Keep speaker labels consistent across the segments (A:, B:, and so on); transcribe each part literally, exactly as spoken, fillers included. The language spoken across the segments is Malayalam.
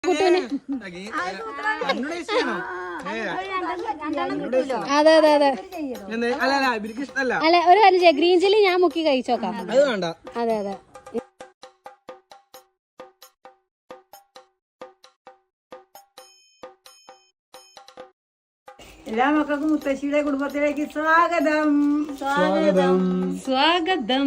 A: അതെ അതെ അതെ അല്ല ഒരു കാര്യം ചെയ്യാം, ഗ്രീൻ ചില്ലി ഞാൻ മുക്കി കഴിച്ചോക്കാം. അതെ അതെ
B: എല്ലാ മക്കൾക്കും മുത്തശ്ശിയുടെ കുടുംബത്തിലേക്ക് സ്വാഗതം
A: സ്വാഗതം സ്വാഗതം.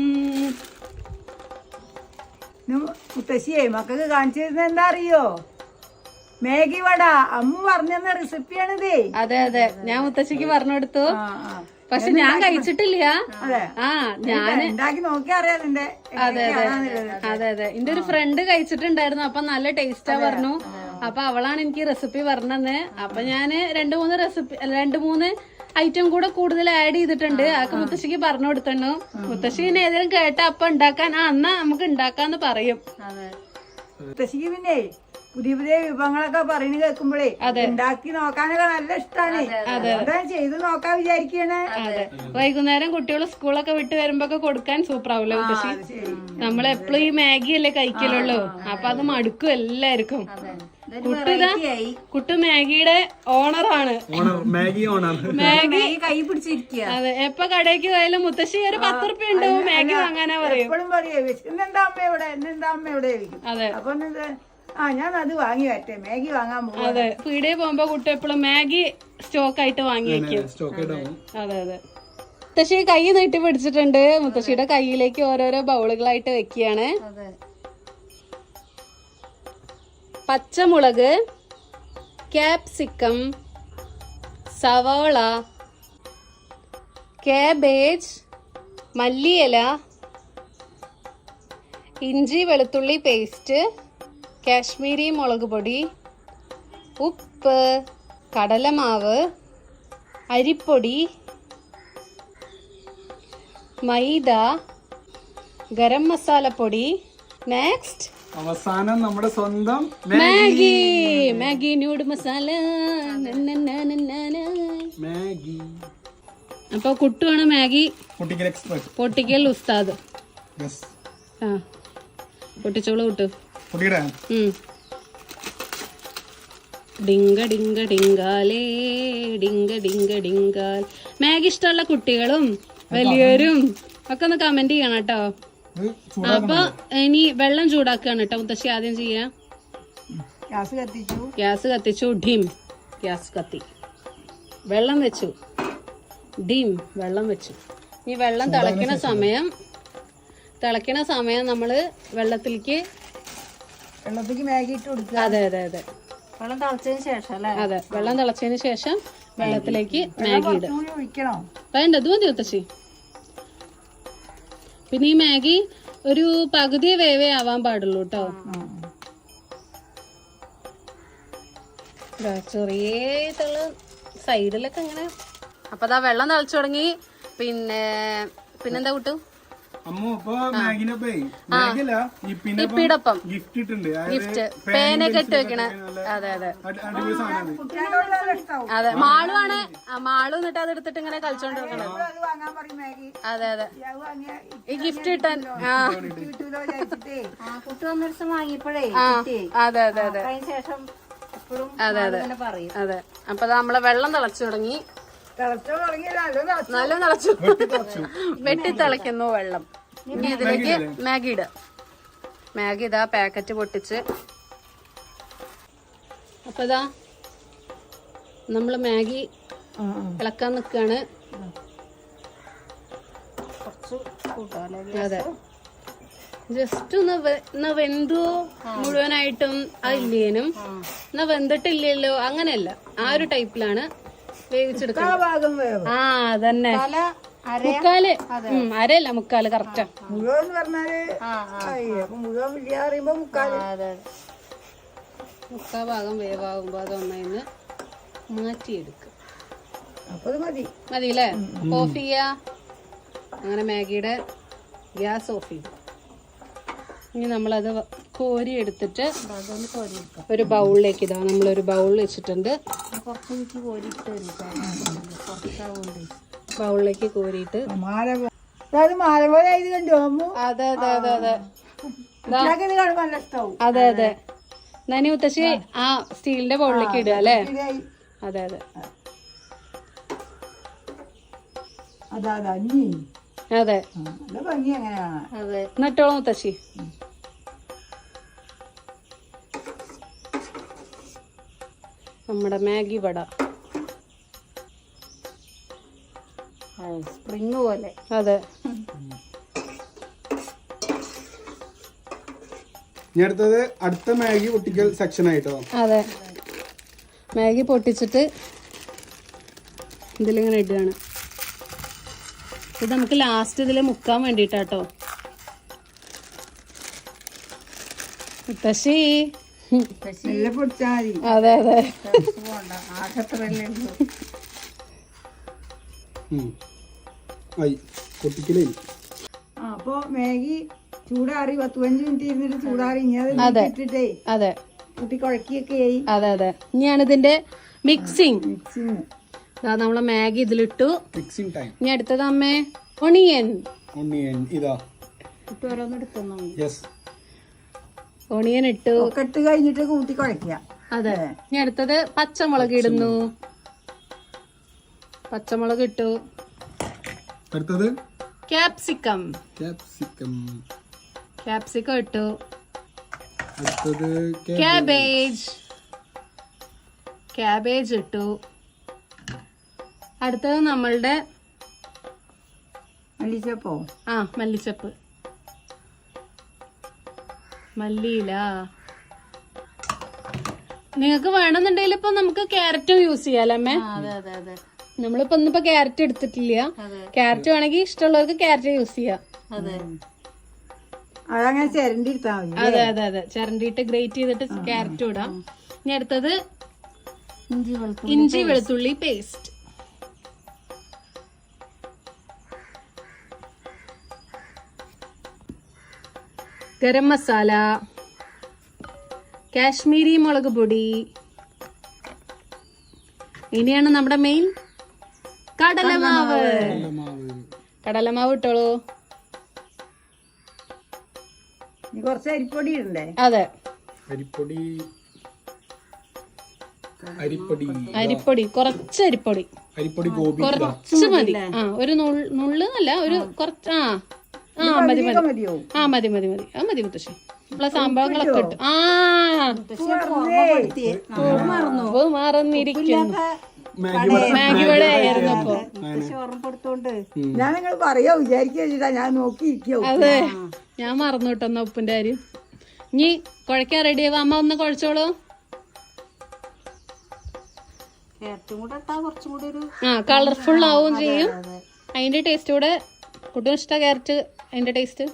B: മുത്തശ്ശിയെ മക്കൾക്ക് കാണിച്ചു തരുന്നത് എന്താ അറിയോ? മാഗി വട. അമ്മ പറഞ്ഞ റെസിപ്പിയാണിത്.
A: അതെ അതെ ഞാൻ മുത്തശ്ശിക്ക് പറഞ്ഞു കൊടുത്തു, പക്ഷെ ഞാൻ കഴിച്ചിട്ടില്ല. ആ ഞാൻ
B: ഉണ്ടാക്കി നോക്കിയാ അറിയാം നിന്റെ.
A: അതെ അതെ അതെ അതെ എന്റെ ഒരു ഫ്രണ്ട് കഴിച്ചിട്ടുണ്ടായിരുന്നു, അപ്പൊ നല്ല ടേസ്റ്റാ പറഞ്ഞു. അപ്പൊ അവളാണ് എനിക്ക് റെസിപ്പി പറഞ്ഞത്. അപ്പൊ ഞാന് രണ്ടു മൂന്ന് റെസിപ്പി രണ്ടു മൂന്ന് ഐറ്റം കൂടെ കൂടുതൽ ആഡ് ചെയ്തിട്ടുണ്ട്. അതൊക്കെ മുത്തശ്ശിക്ക് പറഞ്ഞു കൊടുത്തു. മുത്തശ്ശി പിന്നെ ഏതെങ്കിലും കേട്ട അപ്പൊ ഉണ്ടാക്കാൻ ആ എന്നാ നമുക്ക് ഉണ്ടാക്കാന്ന് പറയും.
B: മുത്തശ്ശിക്ക് പിന്നെ പുതിയ പുതിയ വിഭവങ്ങളൊക്കെ പറയുന്നത് കേൾക്കുമ്പോഴേ ഉണ്ടാക്കി നോക്കാനൊക്കെ നല്ല ഇഷ്ടമാണ്. അതാ ചെയ്ത് നോക്കാൻ വിചാരിക്കണേ.
A: അതെ വൈകുന്നേരം കുട്ടികൾ സ്കൂളൊക്കെ വിട്ട് വരുമ്പോ കൊടുക്കാൻ സൂപ്പർ ആവൂല്ലോ മുത്തശ്ശി. നമ്മളെപ്പോഴും ഈ മാഗി അല്ലേ കഴിക്കലുള്ളൂ, അപ്പൊ അത് മടുക്കും എല്ലാവർക്കും. കുട്ടിതാ കുട്ടു മാഗിയുടെ ഓണറാണ്.
C: മാഗി ഓണർ
A: മാഗി
B: കൈ പിടിച്ചിരിക്കുക.
A: അതെ എപ്പൊ കടയ്ക്ക് പോയാലും മുത്തശ്ശി ഒരു പത്ത് റുപ്യ ഉണ്ട് മാഗി വാങ്ങാനാ പറയും.
B: എപ്പോഴും പറയേ ഇന്നെന്താ അമ്മ എവിടെ ഇന്നെന്താ അമ്മ എവിടെ ചോദിക്കും.
A: അതെ
B: അപ്പൊ ആ ഞാൻ അത് വാങ്ങി വരട്ടെ, മാഗി വാങ്ങാൻ പോകും.
A: അതെ പീടിയെ പോകുമ്പോ കുട്ടി എപ്പോഴും മാഗി സ്റ്റോക്ക് ആയിട്ട് വാങ്ങി വെക്കും. അതെ അതെ മുത്തശ്ശി കൈ നീട്ടി പിടിച്ചിട്ടുണ്ട്. മുത്തശ്ശിയുടെ കൈയിലേക്ക് ഓരോരോ ബൗളുകളായിട്ട് വെക്കുകയാണ്. പച്ചമുളക്, ക്യാപ്സിക്കം, സവാള, കാബേജ്, മല്ലിയില, ഇഞ്ചി വെളുത്തുള്ളി പേസ്റ്റ്, കാശ്മീരി മുളക് പൊടി, ഉപ്പ്, കടലമാവ്, അരിപ്പൊടി, മൈദ, ഗരം മസാലപ്പൊടി. നെക്സ്റ്റ്
C: അവസാനം നമ്മുടെ സ്വന്തം
A: Maggi Maggi noodle masala.
C: Maggi.
A: അപ്പൊ കുട്ടുവാണ് മാഗി
C: പൊട്ടിക്കൽ എക്സ്പെർട്ട്,
A: പൊട്ടിക്കൽ ഉസ്താദ്. ആ പൊട്ടിച്ചോളൂ കുട്ടു. ഡിങ്ക ഡിങ്ക ഡിങ്കാലേ ഡിങ്ക ഡിങ്ക ഡിങ്കാൽ. മാഗി ഇഷ്ടമുള്ള കുട്ടികളും വലിയവരും ഒക്കെ ഒന്ന് കമന്റ് ചെയ്യണം കേട്ടോ. അപ്പൊ ഇനി വെള്ളം ചൂടാക്കുകയാണ് കേട്ടോ മുത്തശ്ശി ആദ്യം ചെയ്യാ.
B: ഗ്യാസ് കത്തിച്ചു
A: ഗ്യാസ് കത്തിച്ചു ഡിം ഗ്യാസ് കത്തി വെള്ളം വെച്ചു. ഡിം വെള്ളം വെച്ചു. ഈ വെള്ളം തിളയ്ക്കണ സമയം തിളയ്ക്കണ സമയം നമ്മള് വെള്ളത്തിലേക്ക്
B: വെള്ളത്തിലേക്ക് മാഗി ഇട്ട് കൊടുക്കുക.
A: അതെ അതെ അതെ
B: വെള്ളം തിളച്ചതിന് ശേഷം അല്ലേ?
A: അതെ വെള്ളം തിളച്ചതിന് ശേഷം വെള്ളത്തിലേക്ക് മാഗി ഇടുക.
B: ഒഴിക്കണോ?
A: വേണ്ട ഇത് മതി മുത്തശ്ശി. പിന്നെ ഈ മാഗി ഒരു പകുതി വേവേ ആവാൻ പാടുള്ളൂ കേട്ടോ. ചെറിയ തള സൈഡിലൊക്കെ ഇങ്ങനെ. അപ്പൊ അതാ വെള്ളം തിളച്ചു തുടങ്ങി. പിന്നെ പിന്നെന്താ കൂട്ടു ഇപ്പിടൊപ്പം ഗിഫ്റ്റ് പേനൊക്കെ ഇട്ട് വെക്കണ. അതെ അതെ അതെ മാളുവാണ്. മാളു എന്നിട്ട് അത് എടുത്തിട്ട് ഇങ്ങനെ കളിച്ചോണ്ടിരിക്കണത്. അതെ അതെ ഈ ഗിഫ്റ്റ് കിട്ടാൻ. ആ
B: വാങ്ങിയപ്പോഴേ
A: അതെ അതെ അതെ അതെ അതെ അതെ. അപ്പൊ നമ്മളെ വെള്ളം തിളച്ചു തുടങ്ങി. നല്ല തിളച്ചു വെട്ടി തിളയ്ക്കുന്നു വെള്ളം. ഇനി ഇതിലേക്ക് മാഗി ഇടുക. മാഗി ഇതാ പാക്കറ്റ് പൊട്ടിച്ച്. അപ്പൊ ഇതാ നമ്മള് മാഗി ഇളക്കാൻ നിക്കാണ്. അതെ ജസ്റ്റ് ഒന്ന് എന്നാ വെന്തു മുഴുവനായിട്ടും അതില്ലേനും എന്നാ വെന്തിട്ടില്ലല്ലോ അങ്ങനെയല്ല. ആ ഒരു ടൈപ്പിലാണ് വേവിച്ചെടുക്കുന്നത്. ആ അതന്നെ മുക്കാല് അരയല്ല മുക്കാല് കറക്റ്റാ.
B: മുഴുവൻ പറഞ്ഞാല് മുഴുവൻ പറയുമ്പോ മുക്കാല്
A: മുക്കാ ഭാഗം വേവാകുമ്പോ അതൊന്നതിന്ന് മാറ്റിയെടുക്കും.
B: അപ്പൊ മതി
A: മതി അല്ലേ? ഓഫ് ചെയ്യാ. അങ്ങനെ മാഗിയുടെ ഗ്യാസ് ഓഫ് ചെയ്തു. ഇനി നമ്മളത് കോരി എടുത്തിട്ട് ഒരു ബൗളിലേക്ക് ഇതാ നമ്മളൊരു ബൗൾ വെച്ചിട്ടുണ്ട്. ബൗളിലേക്ക് കോരിയിട്ട്
B: മാല കണ്ടോ?
A: അതെ അതെ അതെ അതെ
B: നല്ല ഇഷ്ടാവും.
A: അതെ അതെ എന്നാ മുത്തശ്ശി ആ സ്റ്റീലിന്റെ ബൗളിലേക്ക് ഇടുക അല്ലേ? അതെ അതെ
B: അതാ അതാ ഇനി
A: അതെ
B: നല്ല ഭംഗി എങ്ങനെയാണ്.
A: അതെ എന്നിട്ടോളൂ മുത്തശ്ശി. നമ്മുടെ മാഗി വട
D: സ്പ്രിങ് പോലെ.
A: അതെ
C: ഇനി അടുത്തത് അടുത്ത മാഗി പൊട്ടിക്കൽ സെക്ഷൻ ആയിട്ടോ.
A: അതെ മാഗി പൊട്ടിച്ചിട്ട് ഇതിലിങ്ങനെ ഇടുകയാണ്. ഇത് നമുക്ക് ലാസ്റ്റ് ഇതിൽ മുക്കാൻ വേണ്ടിയിട്ടാട്ടോ. മുത്തശ്ശി
B: നല്ല പൊടിച്ചാ മതി.
A: അതെ അതെ
D: ആകത്തല്ലേ
C: ആയി പൊട്ടിക്കലേ.
B: ആ അപ്പൊ മാഗി ചൂടാറി പത്ത് പതിനഞ്ച് മിനിറ്റ് ഇരുന്നിട്ട് ചൂടാറി ഇനി അത് ഇട്ടിട്ടേ
A: അതെ
B: കുട്ടി കുഴക്കിയൊക്കെ ആയി.
A: അതെ അതെ ഇനിയാണ് ഇതിന്റെ മിക്സിങ്.
B: മിക്സിങ്
A: നമ്മളെ മാഗി ഇതിലിട്ടു.
C: Mixing time.
A: ഇനി അടുത്തത് അമ്മേ ഒണിയൻ.
C: ഒണിയൻ ഇതാ.
D: ഓരോന്നെടുക്കുന്നു.
C: യെസ്
A: ഒണിയൻ ഇട്ടു.
B: ഒക്കെ ഇട്ട് കഴിഞ്ഞിട്ട് കൂട്ടി കുഴക്കുക.
A: അതെ ഇനി അടുത്തത് പച്ചമുളക് ഇടുന്നു. പച്ചമുളക് ഇട്ടു.
C: അടുത്തത്
A: ക്യാപ്സിക്കം.
C: ക്യാപ്സിക്കം.
A: ക്യാപ്സിക്കം ഇട്ടു.
C: അടുത്തത്
A: ക്യാബേജ്. ക്യാബേജ് ഇട്ടു. അടുത്തത് നമ്മളുടെ
B: മല്ലിച്ചപ്പോ
A: ആ മല്ലിച്ചപ്പ്, മല്ലിയില. നിങ്ങൾക്ക് വേണമെന്നുണ്ടെങ്കിൽ ഇപ്പൊ നമുക്ക് ക്യാരറ്റും യൂസ് ചെയ്യാലോ അമ്മേ.
D: അതെ അതെ അതെ
A: നമ്മളിപ്പോ ഇന്നിപ്പോ ക്യാരറ്റ് എടുത്തിട്ടില്ല. ക്യാരറ്റ് വേണമെങ്കിൽ ഇഷ്ടമുള്ളവർക്ക് ക്യാരറ്റ് യൂസ് ചെയ്യാം.
D: അതെ
B: അതങ്ങനെ ചിരണ്ടി എടുത്താൽ മതി.
A: അതെ അതെ അതെ ചിരണ്ടിയിട്ട് ഗ്രേറ്റ് ചെയ്തിട്ട് ക്യാരറ്റും ഇടാം. ഇനി അടുത്തത്
D: ഇഞ്ചി വെളുത്തുള്ളി
A: ഇഞ്ചി വെളുത്തുള്ളി പേസ്റ്റ്. ഗരം മസാല, കാശ്മീരി മുളക് പൊടി. ഇനിയാണ് നമ്മുടെ മെയിൻ കടലമാവ്. കടലമാവ് ഇട്ടോളൂ.
B: ഇനി കുറച്ച് അരിപ്പൊടി ഇടണ്ടേ?
A: അതെ
C: അരിപ്പൊടി. അരിപ്പൊടി
A: അരിപ്പൊടി കുറച്ച് അരിപ്പൊടി.
C: അരിപ്പൊടി ഗോപി
A: കുറച്ച് മതി. ആ ഒരു നുള്ള് അല്ല ഒരു കുറച്ച്. ആ ആ മതി മതി
B: മതിയോ?
A: ആ മതി മതി മതി അത് മതി മുത്തശ്ശി. നമ്മളെ സംഭവങ്ങളൊക്കെ ഇട്ടു. ആ മറന്നു മറന്നിരിക്കുന്നു. മാഗി വട ആയിരുന്നു അപ്പൊ.
D: ഓർമ്മപ്പെടുത്തോണ്ട്
B: ഞാൻ നിങ്ങൾ പറയാ വിചാരിക്കാ ഞാൻ നോക്കിയിരിക്കോ.
A: അതെ ഞാൻ മറന്നു കിട്ടുന്ന ഉപ്പിന്റെ കാര്യം. ഇനി കുഴക്കാൻ റെഡി ആവാ. അമ്മ ഒന്ന് കുഴച്ചോളൂ.
D: ക്യാരറ്റും കൂടെ ഇട്ടാ കുറച്ചും കൂടി ഒരു
A: ആ കളർഫുൾ ആവും ചെയ്യും. അതിന്റെ ടേസ്റ്റ് കൂടെ കുട്ടികൾ ഇഷ്ട ക്യാരറ്റ്. അതിന്റെ ടേസ്റ്റ്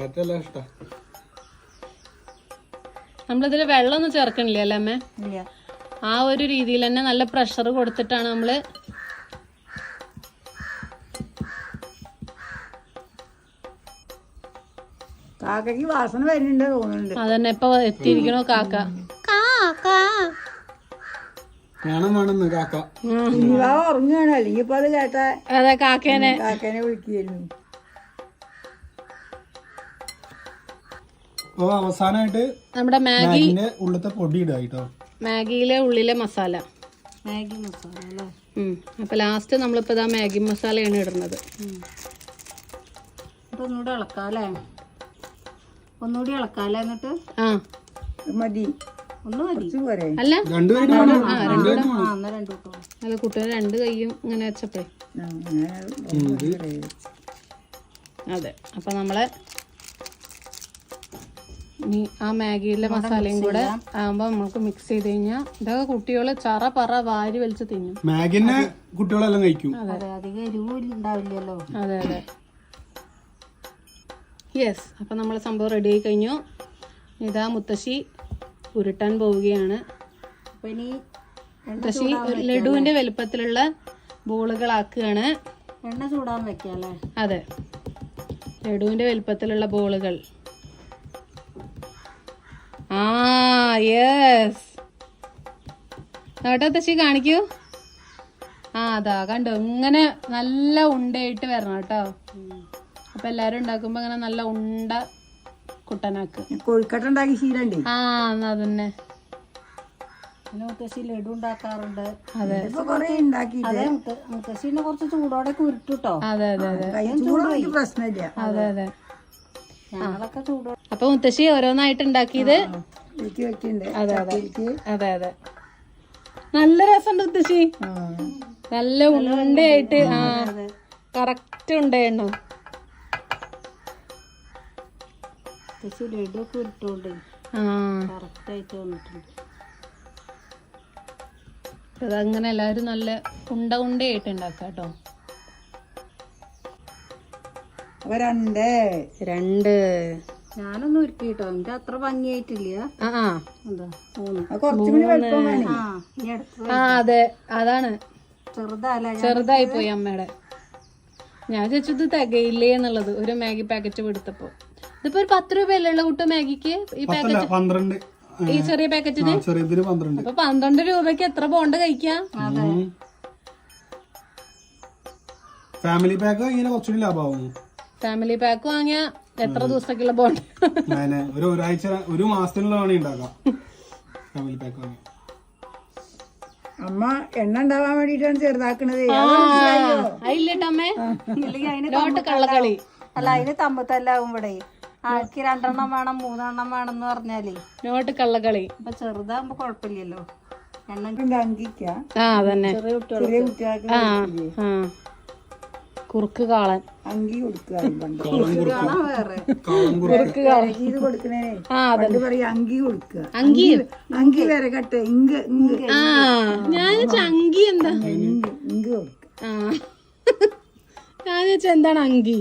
A: നമ്മളിതിൽ വെള്ളം ഒന്നും ചേർക്കണില്ല അല്ലേ അമ്മേ?
D: ഇല്ല.
A: ആ ഒരു രീതിയിൽ തന്നെ നല്ല പ്രഷർ കൊടുത്തിട്ടാണ് നമ്മള്
B: കാക്കയ്ക്ക് വാസന വരുന്നുണ്ട് തോന്നുന്നുണ്ട്.
A: അതന്നെ ഇപ്പൊ എത്തിയിരിക്കണോ കാക്ക.
B: കുഞ്ഞിവാവ ഉറങ്ങുകയാണ്. അല്ലെങ്കിൽ ഇപ്പൊ അത് കേട്ടാ
A: അതെ കാക്കേനെ
B: കാക്കേനെ വിളിക്കുകയായിരുന്നു.
C: അവസാനമായിട്ട്
A: നമ്മുടെ മാഗി
C: ഉള്ളത്തെ പൊടി ഇടുക കേട്ടോ.
A: മാഗിയിലെ ഉള്ളിലെ മസാല.
D: മാഗി മസാല അല്ലേ?
A: അപ്പൊ ലാസ്റ്റ് നമ്മളിപ്പോ ഇതാ മാഗി മസാലയാണ് ഇടുന്നത്.
D: ഒന്നുകൂടെ ഇളക്കാല്ലേ? ഒന്നുകൂടി ഇളക്കാല്ലേ? എന്നിട്ട്
A: ആ
B: മതി.
D: ഒന്ന് മതി
B: പോരെ?
A: അല്ല
C: രണ്ടുപേരും
D: ആ എന്നാ രണ്ടു കിട്ടും.
A: അല്ല കുട്ടികൾ രണ്ട് കൈയും ഇങ്ങനെ വെച്ചപ്പോഴേ. അതെ അപ്പൊ നമ്മളെ ഇനി ആ മാഗിയിലെ മസാലയും കൂടെ ആകുമ്പോ നമുക്ക് മിക്സ് ചെയ്ത് കഴിഞ്ഞാൽ ഇതൊക്കെ കുട്ടികള് ചറ പറ വാരി വലിച്ച് തിന്നും.
C: മാഗിനെ കുട്ടികളെല്ലാം കഴിക്കും.
D: അതെ അധികം എരിവ് ഉണ്ടാവില്ലല്ലോ.
A: അതെ അതെ യെസ്. അപ്പൊ നമ്മളെ സംഭവം റെഡി ആയി കഴിഞ്ഞു. ഇതാ മുത്തശ്ശി ഉരുട്ടാൻ പോവുകയാണ്.
D: അപ്പൊ ഇനി
A: മുത്തശ്ശി ലഡുവിന്റെ വലുപ്പത്തിലുള്ള ബോളുകളാക്കുകയാണ്.
D: എണ്ണ ചൂടാൻ വെക്കാല്ലേ?
A: അതെ ലഡുവിന്റെ വലുപ്പത്തിലുള്ള ബോളുകൾ. ആ യെസ്. നോട്ടെ മുത്തശ്ശി കാണിക്കൂ. ആ അതാ കണ്ടോ ഇങ്ങനെ നല്ല ഉണ്ടയായിട്ട് വരണം കേട്ടോ. അപ്പൊ എല്ലാരും ഉണ്ടാക്കുമ്പോ അങ്ങനെ നല്ല ഉണ്ട കുട്ടനാക്ക്.
B: കൊഴുക്കട്ട ഉണ്ടാക്കി ശീലണ്ടേ?
A: ആ എന്നാ അതന്നെ
D: പിന്നെ മുത്തശ്ശി ലഡു ഉണ്ടാക്കാറുണ്ട്.
B: ഇപ്പൊ കൊറേ ഉണ്ടാക്കിയിട്ട്
D: അതെ മുത്ത മുത്തശ്ശീനെ കുറച്ച് ചൂടോടെ ഉരുട്ടുട്ടോ.
A: അതെ അതെ അതെ
B: ചൂടും എനിക്ക് പ്രശ്നമില്ല.
A: അതെ അതെ.
D: ഞങ്ങളൊക്കെ ചൂടോ
A: അപ്പൊ മുത്തശ്ശി ഓരോന്നായിട്ട് ഉണ്ടാക്കിയത്.
B: എനിക്ക് വെക്കുന്നുണ്ട്
A: അതെ അതെ
B: എനിക്ക്
A: അതെ അതെ നല്ല രസമുണ്ട് മുത്തശ്ശി. നല്ല ഉണ്ടയായിട്ട്. ആ കറക്റ്റ് ഉണ്ടായിരുന്നു.
D: മുത്തശ്ശി ലഡു ഒക്കെ ഉരുട്ടോണ്ട്
A: ആ
D: കറക്റ്റായിട്ട് വന്നിട്ടുണ്ട്.
A: അതങ്ങനെ എല്ലാവരും നല്ല ഉണ്ട ഉണ്ടയായിട്ട് ഉണ്ടാക്കാം കേട്ടോ.
B: അപ്പൊ രണ്ട്
A: രണ്ട്
D: ഞാനൊന്നും ഉരുട്ടിട്ടോ, എനിക്ക് അത്ര ഭംഗിയായിട്ടില്ല.
A: ആ ആ
D: എന്താ മൂന്ന്.
B: അത് കുറച്ചും കൂടി വലുപ്പം വേണേ.
D: ആ ഇനി അടുത്ത്
A: ആ അതെ അതാണ്
D: ചെറുതല്ല.
A: ചെറുതായി പോയി അമ്മയുടെ. ഞാൻ ചോദിച്ചത് തികയില്ലേ എന്നുള്ളത് ഒരു മാഗി പാക്കറ്റ് എടുത്തപ്പോ. ഇതിപ്പോ ഒരു പത്ത് രൂപയല്ലേ ഉള്ള കുട്ടു മാഗിക്ക് ഈ പാക്കറ്റ്,
C: പന്ത്രണ്ട്
A: ഈ ചെറിയ പാക്കറ്റിന്.
C: ചെറിയതിന് പന്ത്രണ്ട്.
A: അപ്പൊ പന്ത്രണ്ട് രൂപക്ക് എത്ര ബോണ്ട് കഴിക്കാം?
C: ഫാമിലി പാക്ക് ഇങ്ങനെ കുറച്ചുകൂടി ലാഭമാവുന്നു.
A: ഫാമിലി പാക്ക് വാങ്ങിയ എത്ര ദിവസത്തേക്കുള്ള ബോണ്ട്?
C: അങ്ങനെ ഒരു ഒരാഴ്ച ഒരു മാസത്തിനുള്ള വേണേ ഉണ്ടാക്കാം ഫാമിലി പാക്ക് വാങ്ങി.
B: അമ്മ എണ്ണ ഉണ്ടാവാൻ വേണ്ടിട്ടാണ് ചെറുതാക്കണത്.
A: അതില്ലേട്ടമ്മേ
D: ഇല്ലെങ്കിൽ അതിന്
A: ലോട്ട് കള്ളക്കളി.
D: അല്ല അതിന് തമ്പത്തല്ലാവും ഇവിടെ. ആൾക്ക് രണ്ടെണ്ണം വേണം മൂന്നെണ്ണം വേണം എന്ന് പറഞ്ഞാലേ
A: നോട്ട് കള്ളക്കളി.
D: അപ്പൊ ചെറുതാകുമ്പോ കുഴപ്പമില്ലല്ലോ. എണ്ണം
B: അങ്കിക്ക
A: ആ അതന്നെ.
D: ചെറിയ കുട്ടികൾ
B: ചെറിയ കുട്ടികൾക്ക്
A: ആ ആ കുറുക്ക് കാളൻ.
B: അങ്കി കൊടുക്കുക പണ്ട്
D: കാണാൻ വേറെ.
A: കുറുക്ക് കാളൻ.
B: ഇത് കൊടുക്കണേ
A: ആ അതെ.
B: പണ്ട് പറയാ അങ്കി കൊടുക്കുക.
A: അങ്കി.
B: അങ്കി വരെ കട്ടെ ഇങ്ക് ഇങ്ക്
A: ആ ഞാൻ അങ്കി എന്താ?
B: ഇങ്ക് ഇങ്ക് കൊടുക്കുക.
A: ആ ഞാൻ ചോദിച്ച എന്താണ് അങ്കി?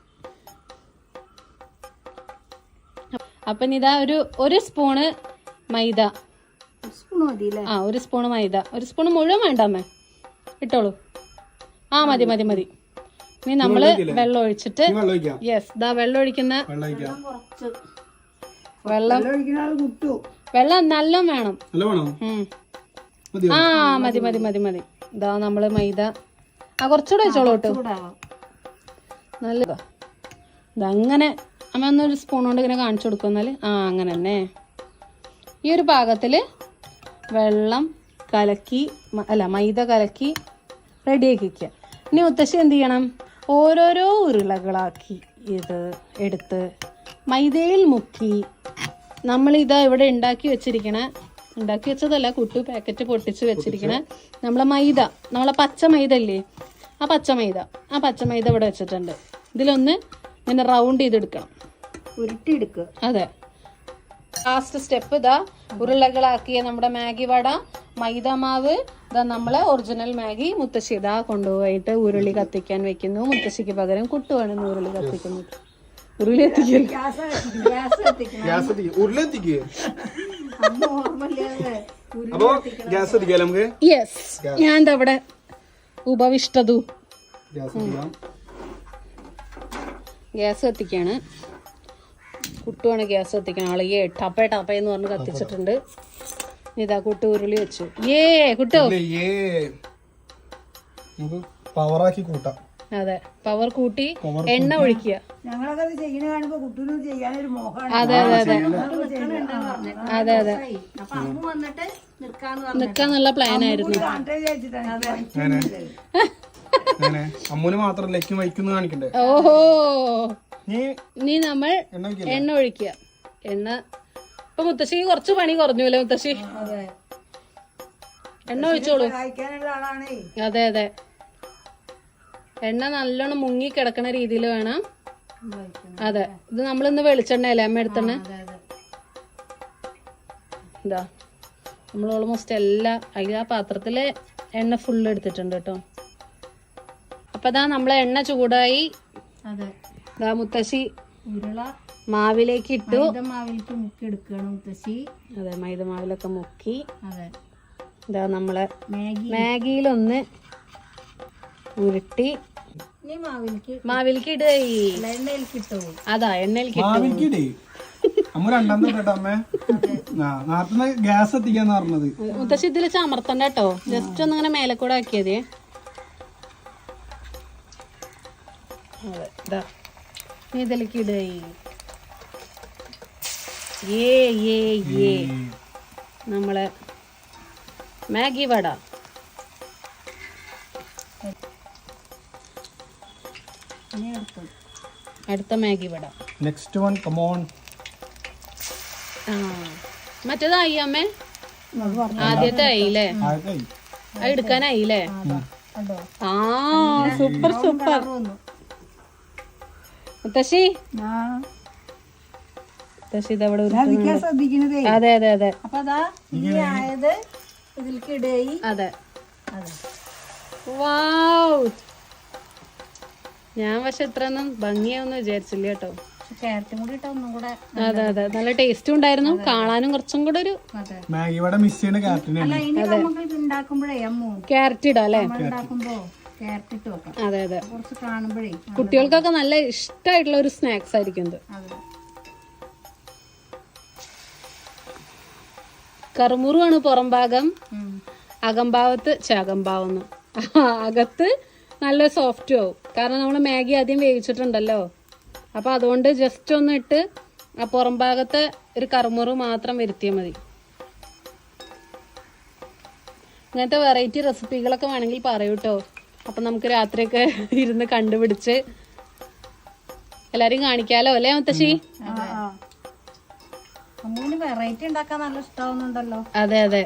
A: അപ്പൊ ഇതാ ഒരു ഒരു സ്പൂണ് മൈദ.
D: സ്പൂൺ മതി അല്ലേ?
A: ആ ഒരു സ്പൂണ് മൈദ. ഒരു സ്പൂണ് മുഴുവൻ വേണ്ട അമ്മേ, ഇട്ടോളൂ. ആ മതി മതി മതി. ഇനി നമ്മള് വെള്ളം ഒഴിച്ചിട്ട്,
C: വെള്ളം ഒഴിക്കാം.
A: യെസ് ദാ വെള്ളം ഒഴിക്കുന്ന
C: വെള്ളം ഒഴിക്കാം.
D: കുറച്ച്
A: വെള്ളം.
B: വെള്ളം ഒഴിക്കുന്ന ആൾ കുട്ടു.
A: വെള്ളം നല്ല വേണം.
C: നല്ല വേണോ?
A: ഉം.
C: മതിയോ?
A: ആ മതി മതി മതി മതി. ഇതാ നമ്മള് മൈദ ആ കുറച്ചുകൂടെ വെച്ചോളൂ കേട്ടോ.
D: ചൂടാവാം.
A: നല്ലതാ. ഇതങ്ങനെ അമ്മ ഒന്നൊരു സ്പൂൺ കൊണ്ട് ഇങ്ങനെ കാണിച്ചു കൊടുക്കും. എന്നാല് ആ അങ്ങനെ തന്നെ ഈ ഒരു പാകത്തില് വെള്ളം കലക്കി മ- അല്ല മൈദ കലക്കി റെഡിയാക്കി വയ്ക്കുക. ഇനി മുത്തശ്ശി എന്ത് ചെയ്യണം? ഓരോരോ ഉരുളകളാക്കി ഇത് എടുത്ത് മൈദയിൽ മുക്കി നമ്മളിതാ ഇവിടെ ഉണ്ടാക്കി വെച്ചിരിക്കണ, ഉണ്ടാക്കി വെച്ചതല്ല കുട്ടു പാക്കറ്റ് പൊട്ടിച്ച് വെച്ചിരിക്കണ നമ്മളെ മൈദ, നമ്മളെ പച്ച മൈദ ഇല്ലേ, ആ പച്ച മൈദ ആ പച്ച മൈദ ഇവിടെ വെച്ചിട്ടുണ്ട്. ഇതിലൊന്ന് ഇങ്ങനെ റൗണ്ട് ചെയ്തെടുക്കണം.
D: ഉരുട്ടിയെടുക്കുക.
A: അതെ. ലാസ്റ്റ് സ്റ്റെപ്പ് ഇതാ ഉരുളകളാക്കിയ നമ്മുടെ മാഗി വട, മൈദ മാവ്, ഇതാ നമ്മളെ ഒറിജിനൽ മാഗി മുത്തശ്ശി ഇതാ കൊണ്ടുപോയിട്ട് ഉരുളി കത്തിക്കാൻ വെക്കുന്നു. മുത്തശ്ശിക്ക് പകരം കുട്ടുവാണ് ഉരുളി കത്തിക്കുന്നത്. ഉരുളി എത്തിക്കൽ
D: ഗ്യാസ് കത്തിക്കണം.
C: ഗ്യാസ് എത്തിക്കുക. ഉരുളെത്തിക്കുക.
D: അന്ന് ഓർമ്മയില്ലാതെ
C: അപ്പൊ ഗ്യാസ് എത്തിക്കാം നമുക്ക്.
A: യെസ്. ഞാൻ എന്താ ഇവിടെ ഉപവിഷ്ടതു
C: ഗ്യാസ് എത്തിക്കാം.
A: ഗ്യാസ് കത്തിക്കാണ്. കുട്ടുവാണ് ഗ്യാസ് കത്തിക്കണം. ആള് ഏ ടപ്പേ ടപ്പേ എന്ന് പറഞ്ഞ് കത്തിച്ചിട്ടുണ്ട്. ഇതാ കുട്ടു ഉരുളി വെച്ചു. ഏ കുട്ടോ.
C: ഏ നമുക്ക് പവറാക്കി കൂട്ടാം.
A: അതെ പവർ കൂട്ടി എണ്ണ ഒഴിക്കുക.
B: ഞങ്ങളൊക്കെ അത് ചെയ്യണ കാണുമ്പോ കുട്ടൂനും ചെയ്യാനൊരു മോഹമാണ്.
A: അതെ അതെ അതെ അതെ അതെ
D: അപ്പൊ അമ്മ വന്നിട്ട് നിൽക്കാന്ന് പറഞ്ഞു.
A: നിക്കാന്നുള്ള പ്ലാൻ ആയിരുന്നു.
B: കാണട്ടെ വിചാരിച്ചിട്ടാണ്.
C: അങ്ങനെ അങ്ങനെ അമ്മൂന് മാത്രല്ല എക്കും വൈക്കുന്നു കാണിക്കണ്ടേ.
A: ഓഹോ.
C: നീ
A: ഇനി നമ്മൾ
C: എണ്ണ ഒഴിക്കില്ല.
A: എണ്ണ ഒഴിക്കുക. എണ്ണ ഇപ്പൊ മുത്തശ്ശിക്ക് കുറച്ച് പണി കുറഞ്ഞു അല്ലേ മുത്തശ്ശി? എണ്ണ ഒഴിച്ചോളൂ.
B: സഹായിക്കാനുള്ള ആളാണേ.
A: അതെ അതെ. എണ്ണ നല്ലോണം മുങ്ങി കിടക്കണ രീതിയിൽ വേണം. അതെ ഇത് നമ്മളിന്ന് വെളിച്ചെണ്ണയല്ലേ അമ്മ എടുത്തെണ്ണ. ഇതാ നമ്മൾ ഓൾമോസ്റ്റ് എല്ലാ അതിൽ ആ പാത്രത്തില് എണ്ണ ഫുള്ള് എടുത്തിട്ടുണ്ട് കേട്ടോ. അപ്പൊ ഇതാ നമ്മളെ എണ്ണ ചൂടായി.
D: അതെ.
A: ഇതാ മുത്തശ്ശി
D: ഉരുള
A: മാവിലേക്ക് ഇട്ടു.
D: മൈദ മാവിലേക്ക് മുക്കി എടുക്കണം മുത്തശ്ശി.
A: അതെ മൈദ മാവിലൊക്കെ മുക്കി.
D: അതെ.
A: ഇതാ നമ്മളെ
D: മാഗി
A: മാഗിയിലൊന്ന് ഉരുട്ടി
D: ഇനി മാവിലേക്ക്
A: മാവിലേക്ക് ഇടുക.
D: എണ്ണയിലേക്ക് ഇട്ടു.
A: അതാ എണ്ണയിലേക്ക് ഇട്ടു.
C: മാവിൽക്കിടേ അമ്മ രണ്ടാം തൊട്ടോ അമ്മേ. നേരത്തെ ഗ്യാസ് എത്തിക്കാന്ന് പറഞ്ഞത്.
A: മുത്തശ്ശി ഇതിൽ ചമർത്തണ്ട കേട്ടോ. ജസ്റ്റ് ഒന്ന് ഇങ്ങനെ മേലെ കൂടെ ആക്കിയതേ. അതെ ഇതാ നീ ഇതിലേക്ക് ഇടുക. ഏ ഏ ഏ നമ്മളെ മാഗി വട.
D: ഇനി എടുത്തത്
A: അടുത്ത Maggi vada.
C: Next one come on.
A: ആ മറ്റേതായി അമ്മേ, ആദ്യത്തെ ആയില്ലേ,
C: ആയി.
A: അത് എടുക്കാനായില്ലേ?
D: കണ്ടോ
A: ആ സൂപ്പർ സൂപ്പർ. മുത്തശ്ശി
B: ആ
A: മുത്തശ്ശി ഇതവിടെ
B: ഞാൻ നിൽക്കാൻ ശ്രദ്ധിക്കണതേ.
A: അതെ അതെ അതെ
D: അപ്പൊ അതാ ഈ ആയത് ഇതിലേക്ക് ഇടയി.
A: അതെ.
D: അതെ
A: വാവ്, ഞാൻ പക്ഷെ ഇത്രയൊന്നും ഭംഗിയാവെന്ന് വിചാരിച്ചില്ല കേട്ടോ.
D: ക്യാരറ്റും കൂടി ഇട്ട ഒന്നും കൂടെ.
A: അതെ അതെ, നല്ല ടേസ്റ്റും ഉണ്ടായിരുന്നു, കാണാനും കുറച്ചും കൂടെ ഒരു
D: അതെ.
C: മാഗി വട മിസ് ചെയ്യുന്ന കാറ്റിനാണ്.
D: അല്ല ഇനി നമുക്ക് ഇത് ഉണ്ടാക്കുമ്പോഴേ അമ്മു
A: ക്യാരറ്റ് ഇടാം അല്ലേ?
D: നമ്മൾ ഉണ്ടാക്കുമ്പോ ക്യാരറ്റ് ഇട്ട് വെക്കാം.
A: അതെ അതെ,
D: കുറച്ച് കാണുമ്പോഴേ.
A: കുട്ടികൾക്കൊക്കെ നല്ല ഇഷ്ടമായിട്ടുള്ള ഒരു സ്നാക്സ് ആയിരിക്കും ഇത്.
D: അതെ
A: കറുമുറുവാണ് പുറം ഭാഗം,
D: ഉം.
A: അകംഭാവത്ത് ചകംഭാവം അകത്ത് നല്ല സോഫ്റ്റ് ആവും, കാരണം നമ്മൾ മാഗി ആദ്യം വേവിച്ചിട്ടുണ്ടല്ലോ. അപ്പൊ അതുകൊണ്ട് ജസ്റ്റ് ഒന്ന് ഇട്ട് ആ പുറം ഭാഗത്തെ ഒരു കറുമുറു മാത്രം വരുത്തിയാൽ മതി. ഇങ്ങനത്തെ വെറൈറ്റി റെസിപ്പികളൊക്കെ വേണമെങ്കിൽ പറയൂ കേട്ടോ. അപ്പൊ നമുക്ക് രാത്രിയൊക്കെ ഇരുന്ന് കണ്ടുപിടിച്ച് എല്ലാരും കാണിക്കാലോ അല്ലേ മുത്തശ്ശി?
D: അമ്മുവിന് വെറൈറ്റി ഉണ്ടാക്കാൻ നല്ല ഇഷ്ടാവുന്നുണ്ടല്ലോ.
A: അതെ അതെ.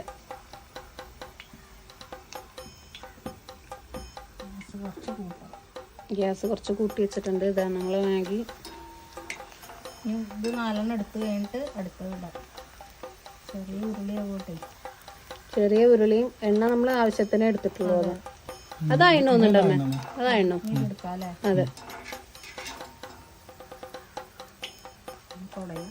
A: ഗ്യാസ് കുറച്ച് കൂട്ടി വെച്ചിട്ടുണ്ട്. ഇതാണ് നമ്മള് മാഗി.
D: ഇനി ഇത് നാലെണ്ണം എടുത്ത് കഴിഞ്ഞിട്ട് അടുത്തത് ഇടാം. ചെറിയ ഉരുളി ആവട്ടെ.
A: ചെറിയ ഉരുളിയും എണ്ണ നമ്മൾ ആവശ്യത്തിന് എടുത്തിട്ടുള്ളൂ. അത് അതായിണ്ണോ ഒന്നുണ്ടമ്മേ? അതായിണ്ണോ?
D: എടുക്കാം അല്ലേ?
A: അതെ.
D: തുടയും.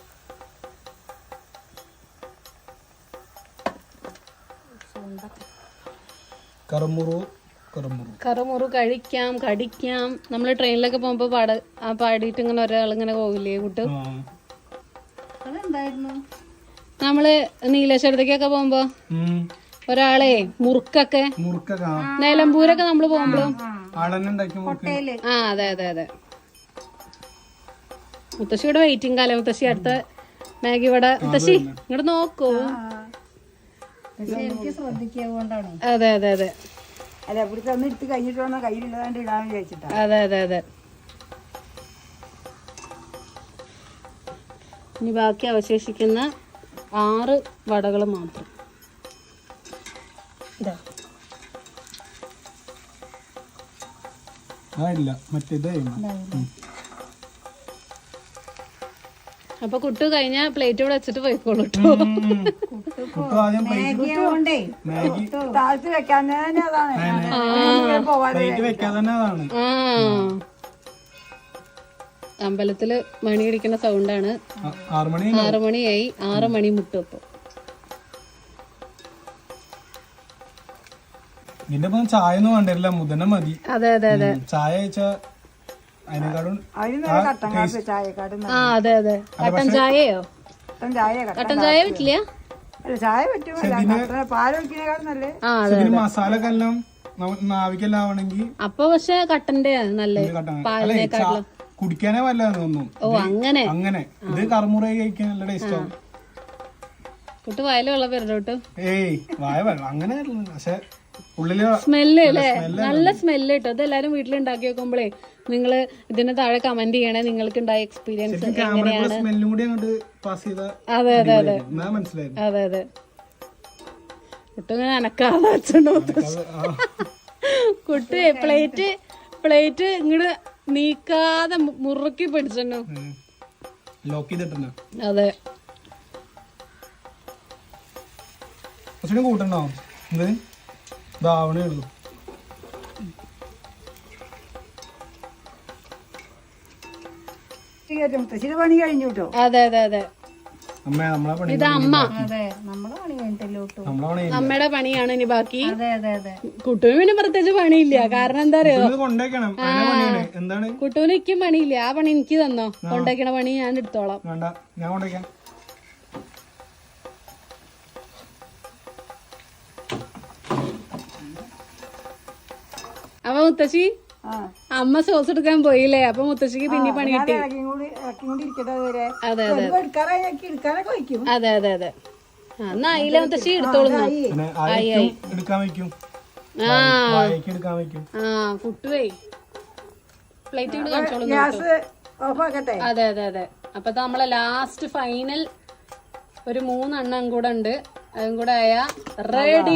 C: കറുമുറു കറുമുറു
A: കറുമുറു കഴിക്കാം, കടിക്കാം. നമ്മൾ ട്രെയിനിലൊക്കെ പോകുമ്പോ പാട ആ പാടിയിട്ട് ഇങ്ങനെ ഒരാൾ ഇങ്ങനെ പോവില്ലേ കൂട്ട്?
C: ആ.
D: അതെന്തായിരുന്നു?
A: നമ്മള് നീലേശ്വരത്തേക്കൊക്കെ പോകുമ്പോ
C: ഉം.
A: ഒരാളെ മുറുക്കൊക്കെ
C: മുറുക്കൊക്കെ ആ.
A: നിലമ്പൂരൊക്കെ നമ്മള് പോകുമ്പോഴും
C: ആളെന്നെ ഉണ്ടാക്കി മുറുക്ക്.
D: കൊട്ടയില്.
A: ആ അതെ അതെ അതെ. മുത്തശ്ശിയുടെ വെയിറ്റിംഗ് കാലം. മുത്തശ്ശി അടുത്ത മാഗി വട. മുത്തശ്ശി ഇങ്ങോട്ട് നോക്കൂ.
D: പക്ഷെ എനിക്ക് ശ്രദ്ധിക്കാകൊണ്ടാണ്.
A: അതെ അതെ അതെ
B: അല്ല ഇവിടുത്തെ ഒന്ന് എടുത്ത് കഴിഞ്ഞിട്ട് വന്നാൽ കയ്യിലുള്ളതാണ്ട് ഇടാന്ന് വിചാരിച്ചിട്ടാ.
A: അതെ അതെ അതെ. ഇനി ബാക്കി അവശേഷിക്കുന്ന ആറ് വടകൾ മാത്രം. ഇതാ
C: ആ ഇല്ല മറ്റേത്
A: അപ്പൊ കുട്ടു കഴിഞ്ഞ പ്ലേറ്റ് ഇവിടെ വെച്ചിട്ട് പോയിക്കോളൂ കേട്ടോ.
C: കുട്ടു ആദ്യം
D: മാഗി ആവണ്ടേ.
C: മാഗി
B: താഴത്ത് വെക്കാൻ തന്നെ അതാണ് പോവാതെ.
C: പ്ലേറ്റ് വെക്കാതെ തന്നെ അതാണ്.
A: ആ അമ്പലത്തില് മണി അടിക്കുന്ന സൗണ്ടാണ്.
C: ആ- ആറ് മണി
A: ആറ് മണിയായി. ആറ് മണി മുട്ടും അപ്പൊ.
C: ഇതിന്റെ ഒപ്പം ചായ ഒന്നും വേണ്ടില്ല, മുതന മതി.
A: അതെ അതെ അതെ.
C: ഉം. ചായ കഴിച്ചാ അതിനെക്കാളും
B: അതിന് നല്ല കട്ടൻ കാപ്പി ചായക്കാട്ടും
A: ആ അതെ അതെ. കട്ടൻ ചായയോ?
B: കട്ടൻ ചായ കട്ടൻ
A: കട്ടൻ ചായ പറ്റില്ല.
B: അല്ല ചായ പറ്റുമല്ല, പാല് ഒഴിക്കുന്നേക്കാളും നല്ലേ.
A: ആ അതെ.
C: ഇതിന് മസാല ഒക്കെ എല്ലാം നമുക്ക് നാവിക്കെല്ലാം ആവണമെങ്കിൽ
A: അപ്പൊ പക്ഷെ കട്ടന്റെ നല്ലേ പാലിനെക്കാട്ടിലും.
C: കുടിക്കാനേ വല്ലാന്ന് തോന്നുന്നു.
A: ഓ അങ്ങനെ.
C: അങ്ങനെ ഇത് കറുമുറ കഴിക്കാൻ നല്ല ടേസ്റ്റ് ആവും.
A: കുട്ടി വയല് വെള്ളം വരണ്ടോട്ട്.
C: ഏയ് വായ വെള്ളം അങ്ങനെ പക്ഷെ ഉള്ളില്
A: സ്മെല്ല് അല്ലേ? നല്ല സ്മെല്ല് കിട്ടും. അത് എല്ലാരും വീട്ടിലുണ്ടാക്കി വെക്കുമ്പോഴേ നിങ്ങള് ഇതിന് താഴെ കമന്റ് ചെയ്യണേ നിങ്ങൾക്ക് ഉണ്ടായ എക്സ്പീരിയൻസ് എങ്ങനെയാണ്.
C: സ്മെല്ലും കൂടി അങ്ങോട്ട് പാസ് ചെയ്ത
A: അതെ അതെ അതെ
C: എന്നാ മനസ്സിലായിരുന്നു.
A: അതെ അതെ. കുട്ടു ഇങ്ങനെ അനക്കാതെ വെച്ചോണ്ടോ കുട്ടു പ്ലേറ്റ് പ്ലേറ്റ് ഇങ്ങോട്ട് നീക്കാതെ മുറുക്കി പിടിച്ചോ.
C: ലോക്ക് ചെയ്തിട്ടുണ്ടോ?
A: അതെ.
C: കുറച്ചുകൂടി കൂട്ടണ്ടോ? ഇത് ഇതാവണേ ഉള്ളൂ.
B: മുത്തശ്ശിയുടെ പണി കഴിഞ്ഞു കേട്ടോ.
A: അതെ അതെ അതെ.
C: അമ്മ നമ്മളെ പണി
A: ഇത് അമ്മ.
D: അതെ നമ്മളെ പണി കഴിഞ്ഞിട്ടല്ലോട്ടു.
C: നമ്മളെ പണി
A: അമ്മയുടെ പണിയാണ് ഇനി ബാക്കി.
D: അതെ അതെ അതെ.
A: കുട്ടുവിന് പിന്നെ പ്രത്യേകിച്ച് പണിയില്ല. കാരണം എന്താ അറിയോ,
C: ഇത് കൊണ്ടേക്കണം. അതിന്റെ പണിയാണ്. എന്താണ്?
A: കുട്ടുവിന് എനിക്കും പണിയില്ല. ആ പണി എനിക്ക് തന്നോ. കൊണ്ടേക്കണ പണി ഞാൻ എടുത്തോളാം.
C: വേണ്ട, ഞാൻ കൊണ്ടേക്കാം.
A: അപ്പൊ മുത്തശ്ശി അമ്മ സോസ് എടുക്കാൻ പോയില്ലേ? അപ്പൊ മുത്തശ്ശിക്ക് പിന്നെ പണി കിട്ടി.
B: ഇറക്കി കൂടി ഇറക്കി കൂടി ഇരിക്കട്ടെ അതുവരെ.
A: അതെ അതെ
B: എടുക്കാറായി എടുക്കാനൊക്കെ വയ്ക്കും.
A: അതെ അതെ അതെ. എന്നാ അയില മുത്തശ്ശി എടുത്തോളുന്നു.
C: പിന്നെ ആയിക്കും എടുക്കാൻ വെക്കും,
A: ആ
C: വായക്ക് എടുക്കാൻ വെക്കും.
A: ആ കുട്ടുവേ പ്ലേറ്റ് കൂടെ കാണിച്ചോളുന്നു.
B: ഗ്യാസ് ഓഫാക്കട്ടെ.
A: അതെ അതെ അതെ. അപ്പൊ ദാ നമ്മളെ ലാസ്റ്റ് ഫൈനൽ ഒരു മൂന്നെണ്ണം കൂടെ ഉണ്ട്. അതും കൂടെ ആയ റെഡി.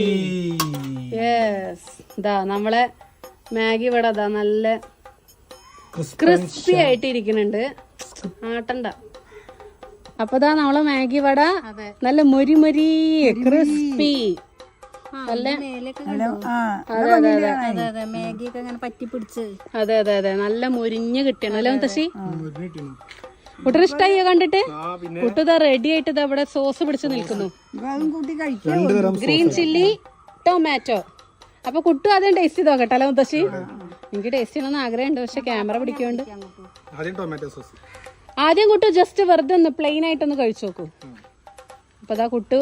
A: യെസ്, ഇതാ നമ്മളെ മാഗി ഇവിടെ അതാ നല്ല ക്രിസ്പി ആയിട്ട് ഇരിക്കുന്നുണ്ട്. ആട്ടണ്ട. അപ്പൊ ദാ നമ്മളെ മാഗി വട നല്ല മൊരി മൊരി ക്രിസ്പി. നല്ല
B: ആ
A: അതെ അതെ അതെ
D: അതെ അതെ മാഗിയൊക്കെ അങ്ങനെ പറ്റി പിടിച്ച്.
A: അതെ അതെ അതെ നല്ല മൊരിഞ്ഞ് കിട്ടണം അല്ലേ മുത്തശ്ശി? കുട്ടിന് ഇഷ്ടായോ കണ്ടിട്ട്? കുട്ടിതാ റെഡി ആയിട്ട് ഇതാ ഇവിടെ സോസ് പിടിച്ച് നിൽക്കുന്നു.
B: അതും കൂട്ടി കഴിക്കാം.
A: Green chilli tomato. അപ്പൊ കുട്ടു ആദ്യം ടേസ്റ്റ് ചെയ്ത് നോക്കട്ടെ അല്ലേ മുത്തശ്ശി? എനിക്ക് ടേസ്റ്റ് ചെയ്യണമെന്ന് ആഗ്രഹമുണ്ട്, പക്ഷെ ക്യാമറ പിടിക്കുന്നുണ്ട്.
C: ആദ്യം ടൊമാറ്റോ സോസ്.
A: ആദ്യം കുട്ടു ജസ്റ്റ് വെറുതെ ഒന്ന് പ്ലെയിൻ ആയിട്ടൊന്ന് കഴിച്ചു നോക്കൂ. അപ്പൊ അതാ കുട്ടു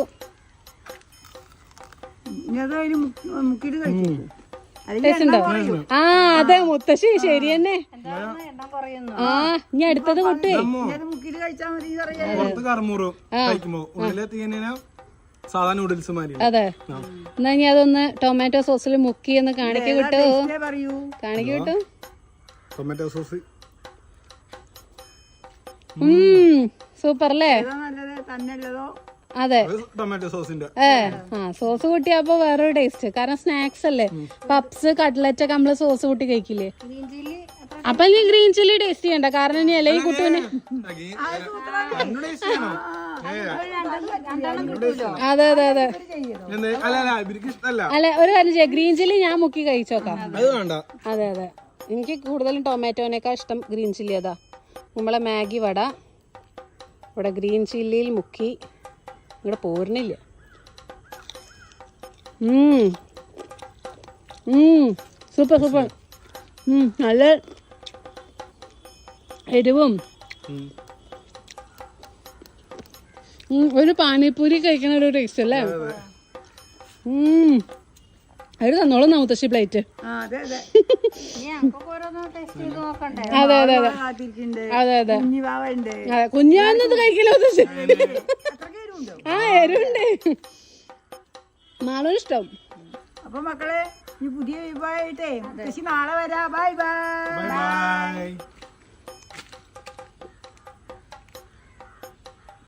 B: മുക്കിട്ട് കഴിച്ചു.
A: ടേസ്റ്റ് ഉണ്ടോ? ആ അതെ മുത്തശ്ശി ശരി തന്നെ. ആ ഇനി അടുത്തത് കുട്ടു
B: മുക്കിട്ട് കഴിച്ചാൽ മതി.
C: പുറത്ത് കറുമുറും കഴിക്കുമ്പോ ഉള്ളിലെത്തിക്കഴിഞ്ഞാ സാധാ നൂഡിൽസ് മാതിരി.
A: അതെ, എന്നാ ഇനി അതൊന്ന് ടൊമാറ്റോ സോസിൽ മുക്കി ഒന്ന് കാണിക്ക് കിട്ടു.
B: പറയൂ,
A: കാണിക്ക് കിട്ടു.
C: ടൊമാറ്റോ സോസ്
A: സൂപ്പർ അല്ലേ?
B: നല്ലത് തന്നെയുള്ളതോ?
A: അതെ
C: ടൊമാറ്റോ സോസിന്റെ
A: ഏ ആ സോസ് കൂട്ടിയപ്പോ വേറൊരു ടേസ്റ്റ്. കാരണം സ്നാക്സ് അല്ലേ, പപ്സ് കട്ട്ലറ്റ് ഒക്കെ നമ്മള് സോസ് കൂട്ടി കഴിക്കില്ലേ. അപ്പൊ ഇനി ഗ്രീൻ ചില്ലി ടേസ്റ്റ് ചെയ്യണ്ട, കാരണം ഇനി അല്ലേ ഈ കുട്ടുവിന്. അതെ അതെ അതെ അല്ല ഒരു കാര്യം ചെയ്യാം, ഗ്രീൻ ചില്ലി ഞാൻ മുക്കി കഴിച്ചോക്കാം. അതെ അതെ, എനിക്ക് കൂടുതലും ടൊമാറ്റോനേക്കാൾ ഇഷ്ടം ഗ്രീൻ ചില്ലി. അതാ നമ്മളെ മാഗി വട ഇവിടെ ഗ്രീൻ ചില്ലിയിൽ മുക്കി ഇവിടെ പോരുന്നില്ല. Super super. നല്ല എരിവും. ഒരു പാനിപ്പൂരി കഴിക്കണ ഒരു ടേസ്റ്റ് അല്ലേ? അവര് തന്നോളും മുത്തശ്ശി പ്ലേറ്റ്.
B: അതെ അതെ
A: അതെ അതെ അതെ അതെ അതെ കുഞ്ഞാന്നത് കഴിക്കില്ല മുത്തശ്ശി. ആ എരിവുണ്ട്, നാളെ ഇഷ്ടം.
B: അപ്പൊ മക്കളെ ഈ പുതിയ വിഭവമായിട്ടേ നാളെ വരാം. Bye by.